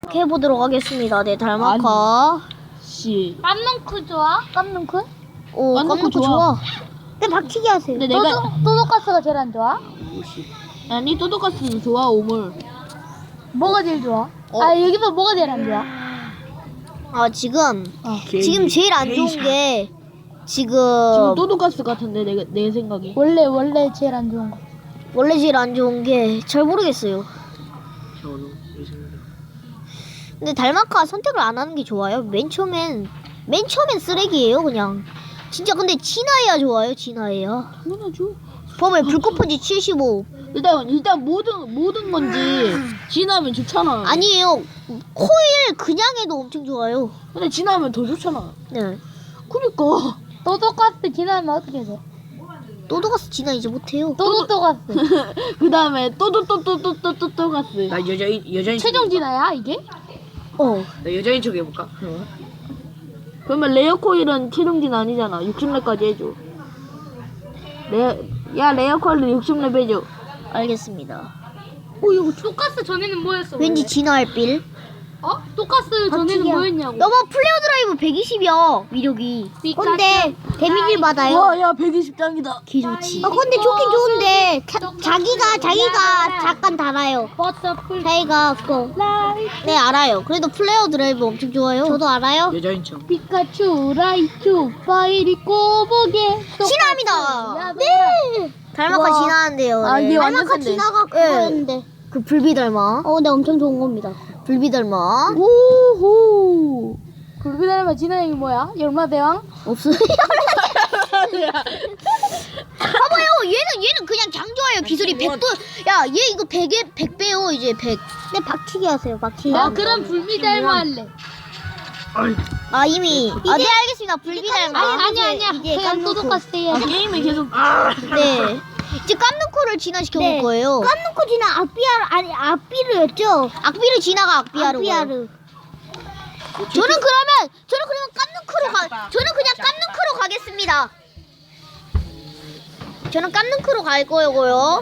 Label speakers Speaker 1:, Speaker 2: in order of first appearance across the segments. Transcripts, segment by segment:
Speaker 1: 해보도록 하겠습니다. 네, 달마카.
Speaker 2: 씨.
Speaker 3: 깜눈크 좋아? 깜눈크?
Speaker 1: 오, 깜놓고 좋아. 근데 박치기 하세요.
Speaker 2: 근데 내가
Speaker 3: 또도가스가 제일 안 좋아?
Speaker 2: 아니 또도가스도 좋아 오물.
Speaker 3: 뭐가 제일 좋아? 아 여기서 뭐가 제일 안 좋아?
Speaker 1: 아, 지금 제일 안 좋은 게
Speaker 2: 지금 또도가스 같은데 내 생각에.
Speaker 3: 원래 제일 안 좋은 거.
Speaker 1: 원래 제일 안 좋은 게 잘 모르겠어요. 근데 달마카 선택을 안 하는 게 좋아요. 맨 처음엔 쓰레기예요, 그냥. 진짜 근데 진화해야 좋아요, 진화해야.
Speaker 2: 당연하죠.
Speaker 1: 범에 불꽃펀치 75.
Speaker 2: 일단 모든 건지 진하면 좋잖아.
Speaker 1: 아니에요. 코일 그냥 해도 엄청 좋아요.
Speaker 2: 근데 진하면 더 좋잖아.
Speaker 1: 네.
Speaker 2: 그니까.
Speaker 3: 또도가스 지나면 어떻게 돼?
Speaker 1: 또도가스 진화 이제 못해요.
Speaker 3: 또도가스
Speaker 2: 그 다음에 또도가스.
Speaker 4: 나 여자인
Speaker 3: 최종 진화야 이게?
Speaker 4: 나 여자인 척 해볼까?
Speaker 2: 그러면 레어 코일은 최종진 아니잖아. 60렙까지 해줘. 레어 코일은 60렙 해줘.
Speaker 1: 알겠습니다.
Speaker 3: 오 이거 또가스 전에는 뭐였어?
Speaker 1: 왠지 진화할 빌.
Speaker 3: 어? 또가스 전에는 뭐였냐고?
Speaker 1: 너무 플레어 드라이브 120이야, 위력이. 근데 데미지를 받아요.
Speaker 2: 와, 야, 120장이다.
Speaker 1: 기 좋지. 근데 좋긴 좋은데 자기가 잠깐 달아요.
Speaker 3: 버터풀
Speaker 1: 자기가 그거. 네, 알아요. 그래도 플레어 드라이브 엄청 좋아요. 저도 알아요.
Speaker 4: 여자인 척.
Speaker 3: 피카츄 라이츄 파이리 꼬보게
Speaker 1: 진화합니다. 네. 달마카
Speaker 3: 우와.
Speaker 1: 진화한대요.
Speaker 2: 아, 이게 완전
Speaker 1: 달마카
Speaker 2: 센데.
Speaker 1: 진화가 그거였는데. 그 불비 달마. 근데 엄청 좋은 겁니다. 불비 달마.
Speaker 3: 오호 굴비달마 진화형이 뭐야? 열마대왕?
Speaker 1: 없어요. 봐봐요. 얘는 그냥 강 좋아요. 기술이 100도. 야, 얘 이거 100배요. 이제 100. 네, 박치기 하세요. 박치기.
Speaker 3: 아 그럼 불비달마 할래.
Speaker 1: 아, 이미. 아, 네, 알겠습니다. 불비 달마.
Speaker 3: 아니야
Speaker 1: 이제
Speaker 3: 그냥 또도가스 해야 돼.
Speaker 2: 게임이 계속.
Speaker 1: 네. 이제 깜누코를 진화시켜 볼 거예요.
Speaker 5: 깜놓고 지나 악비르였죠?
Speaker 1: 악비르 진화가 악비아르.
Speaker 5: 악비아르.
Speaker 1: 저는 그러면 저는 그냥 깜누크로 가겠습니다. 저는 깜누크로 갈 거고요.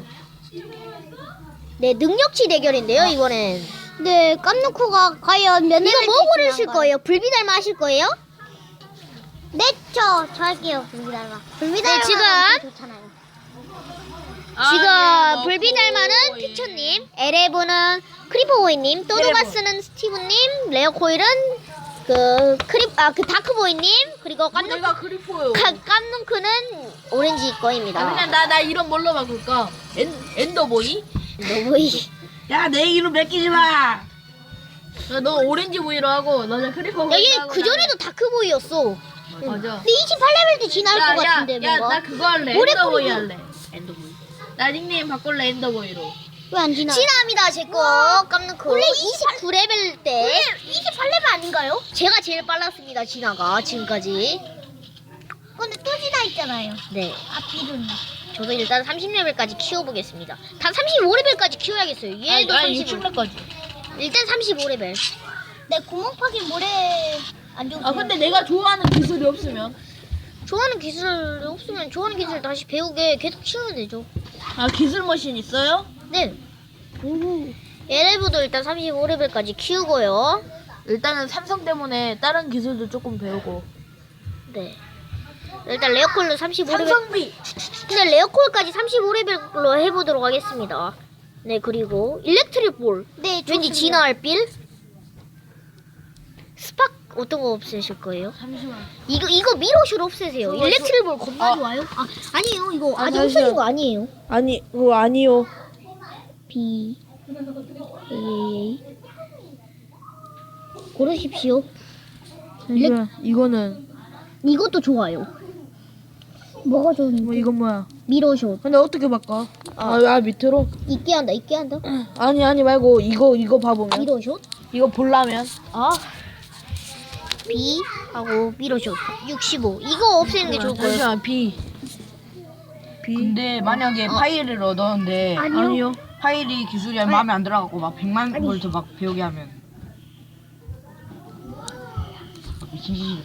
Speaker 1: 네, 능력치 대결인데요, 이번엔.
Speaker 5: 네, 깜놓고가 과연 몇
Speaker 1: 이거 뭐 고르실 거예요? 불비달마 하실 거예요?
Speaker 5: 네, 저 할게요. 불비달마.
Speaker 1: 네, 지금 불비달마는 피처님, 에레브는 크리퍼보이님, 또도가스는 스티브님, 레어코일은 그 다크보이님, 그리고
Speaker 2: 내가 그리포요.
Speaker 1: 깜눈크는 오렌지 거입니다.
Speaker 2: 그냥 나 이름 뭘로 바꿀까? 엔더보이?
Speaker 1: 너무이.
Speaker 4: 야, 내 이름 맡기지 마.
Speaker 2: 너 오렌지 보이로 하고 너는 크리퍼 보이로
Speaker 1: 여기
Speaker 2: 하고.
Speaker 1: 그 전에도 다크보이였어.
Speaker 2: 맞아.
Speaker 1: 근데 28레벨 때 진화할 것 같은데 뭔가.
Speaker 2: 나 그거 할래.
Speaker 1: 오래
Speaker 2: 엔더보이
Speaker 1: 걸리고.
Speaker 2: 할래. 엔더보이. 나 닉네임 바꿀래 엔더보이로.
Speaker 5: 왜 안 지나?
Speaker 1: 진화합니다, 제 거. 깜눈크. 원래 29레벨 때.
Speaker 5: 28레벨 아닌가요?
Speaker 1: 제가 제일 빨랐습니다, 진화가 지금까지.
Speaker 5: 근데 또 지나 있잖아요.
Speaker 1: 네.
Speaker 5: 악비르는.
Speaker 1: 저도 일단 30레벨까지 키워보겠습니다. 다 35레벨까지 키워야겠어요. 얘도 35.
Speaker 2: 60렙까지.
Speaker 1: 일단 35레벨.
Speaker 5: 네, 구멍 파기 모래 안 좋고.
Speaker 2: 아 근데 내가 좋아하는 기술이 없으면.
Speaker 1: 좋아하는 기술 없으면 좋아하는 기술 다시 배우게 계속 키우면 되죠.
Speaker 2: 아 기술 머신 있어요?
Speaker 1: 네. 얘네부도 일단 35레벨까지 키우고요.
Speaker 2: 일단은 삼성 때문에 다른 기술도 조금 배우고.
Speaker 1: 네. 일단 레어콜로 35레벨.
Speaker 2: 삼성비.
Speaker 1: 근데 레어콜까지 35레벨로 해보도록 하겠습니다. 네, 그리고 일렉트릭 볼.
Speaker 5: 네,
Speaker 1: 왠지 진화할 빌. 스팍 어떤 거 없애실 거예요?
Speaker 2: 잠시만.
Speaker 1: 이거 미로슛 없애세요. 일렉트릭 볼 겁나 좋아요. 아니에요. 이거 아직 없어진 거 아니에요.
Speaker 2: 아니 그거 아니요.
Speaker 1: B A 고르십시오.
Speaker 2: 이거는
Speaker 1: 이것도 좋아요.
Speaker 5: 뭐가 좋은데?
Speaker 2: 뭐 이건 뭐야?
Speaker 1: 미로슛.
Speaker 2: 근데 어떻게 바꿔? 아 밑으로?
Speaker 1: 있게 한다.
Speaker 2: 아니 말고 이거 봐보면
Speaker 1: 미로슛.
Speaker 2: 이거 보려면
Speaker 1: B 하고 미로슛 65. 이거 없애는 게 좋을 거예요.
Speaker 2: 잠시만 B.
Speaker 4: 근데 만약에 파일을 얻었는데
Speaker 2: 아니요.
Speaker 4: 파일이 기술이 마음에 안 들어가고 막 100만 볼트 막 배우게 하면 미친 짓이.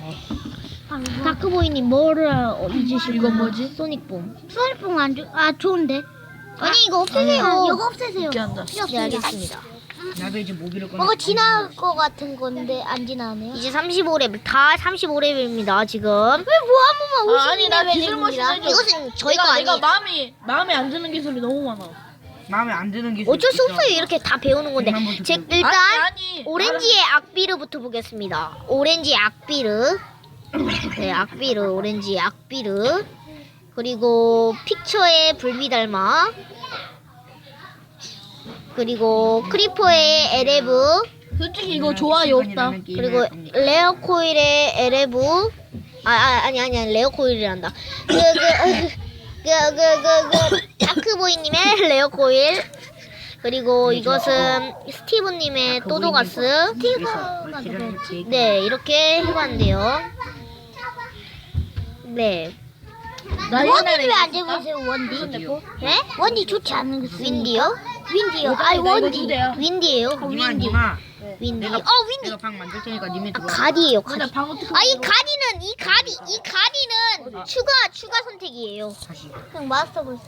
Speaker 1: 다크보이님 뭐를 잊으실
Speaker 2: 이건
Speaker 1: 거예요?
Speaker 2: 뭐지?
Speaker 1: 소닉붐.
Speaker 5: 수월봉 안 좋, 좋은데?
Speaker 1: 아니 이거 없애세요.
Speaker 5: 이거 없애세요.
Speaker 2: 이렇게 한다.
Speaker 1: 네, 알겠습니다.
Speaker 4: 나도 이제 모기를 꺼내.
Speaker 5: 뭐가 지나갈 것 같은 건데 안 지나네요.
Speaker 1: 이제 35레벨 다 35레벨입니다 지금.
Speaker 5: 왜 뭐 한 번만
Speaker 2: 아니 나 기술 머신 해줘.
Speaker 1: 이것은 저희 거
Speaker 2: 내가
Speaker 1: 아니에요.
Speaker 2: 마음에 안 드는 기술이 너무 많아.
Speaker 4: 마음에 안 드는 게
Speaker 1: 어쩔 수 없어요. 이렇게 다 배우는 건데. 일단
Speaker 2: 아니.
Speaker 1: 오렌지의 악비르부터 보겠습니다. 오렌지의 악비르. 네, 악비르, 오렌지의 악비르. 그리고 픽처의 불비달마. 그리고 크리퍼의 에레브.
Speaker 2: 솔직히 이거 좋아요 없다.
Speaker 1: 그리고 레어코일의 에레브. 아니 레어코일이란다. 다크보이님의 레어코일. 그리고 이것은 스티브님의 또도가스. 네, 이렇게 해봤는데요. 네.
Speaker 5: 원디는 왜안 잡으세요? 원디? 네? 원디 좋지 않은 거.
Speaker 1: 윈디요?
Speaker 5: 윈디요. 아이 원디.
Speaker 1: 윈디예요.
Speaker 4: 니마.
Speaker 1: 윈디.
Speaker 4: 내가
Speaker 1: 윈디.
Speaker 4: 내가 방 만들 테니까 님이
Speaker 1: 아,
Speaker 4: 들어와.
Speaker 1: 가디예요. 가디.
Speaker 2: 근데 방 어떻게
Speaker 1: 이 가디는 추가 선택이에요.
Speaker 4: 다시.
Speaker 5: 그냥 마스터 볼.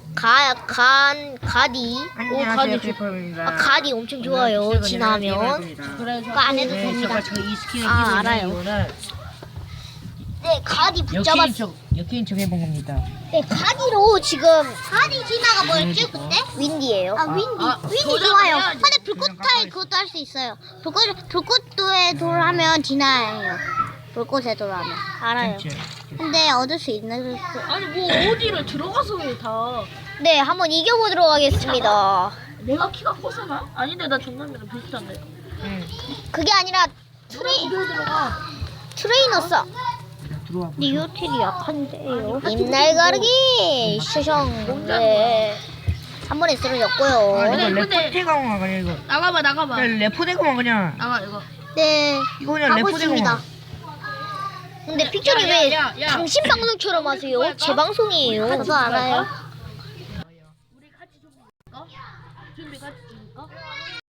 Speaker 1: 가디.
Speaker 4: 안녕하세요 페퍼입니다.
Speaker 1: 가디 엄청 좋아요. 지나면.
Speaker 2: 그래
Speaker 1: 그거 안 해도
Speaker 4: 네,
Speaker 1: 됩니다.
Speaker 4: 제가 이 스킨을
Speaker 1: 아,
Speaker 4: 끼고
Speaker 1: 알아요.
Speaker 4: 있는 이유는
Speaker 1: 네, 가디
Speaker 4: 역게임
Speaker 1: 붙잡았어.
Speaker 4: 척 해본 겁니다.
Speaker 1: 네, 가디로 지금
Speaker 5: 가디 지나가 뭐였지 그때?
Speaker 1: 윈디예요.
Speaker 5: 아 윈디. 윈디
Speaker 2: 도전을
Speaker 5: 좋아요.
Speaker 2: 해야지.
Speaker 5: 근데 불꽃타이 그것도 할 수 있어요. 불꽃도에 돌하면 지나요. 불꽃에 돌하면 알아요. 근데 얻을 수 있는 그
Speaker 2: 아니 뭐 어디를 들어가서 왜 다.
Speaker 1: 네, 한번 이겨보도록 하겠습니다.
Speaker 2: 내가 키가 커서나? 아닌데 나 정남이랑 비슷한데.
Speaker 1: 그게 아니라
Speaker 2: 들어가.
Speaker 1: 트레이너싸.
Speaker 4: 들어와.
Speaker 1: 리오텔이 약한데요. 입날 가르기 슈숑. 네. 한 번에 쓰러졌고요.
Speaker 4: 아, 이거
Speaker 2: 근데-
Speaker 4: 레포대공화 그냥 이거.
Speaker 2: 나가봐.
Speaker 4: 그냥 레포대공화 그냥.
Speaker 2: 나가 이거.
Speaker 1: 네.
Speaker 4: 이거 그냥
Speaker 1: 하고
Speaker 4: 레포대공화.
Speaker 1: 있습니다. 근데 픽처리 왜
Speaker 2: 야.
Speaker 1: 당신 방송처럼 하세요? 제 방송이에요. 저도 알아요.
Speaker 2: 우리 같이 좀 볼까? 준비 같이 줄까?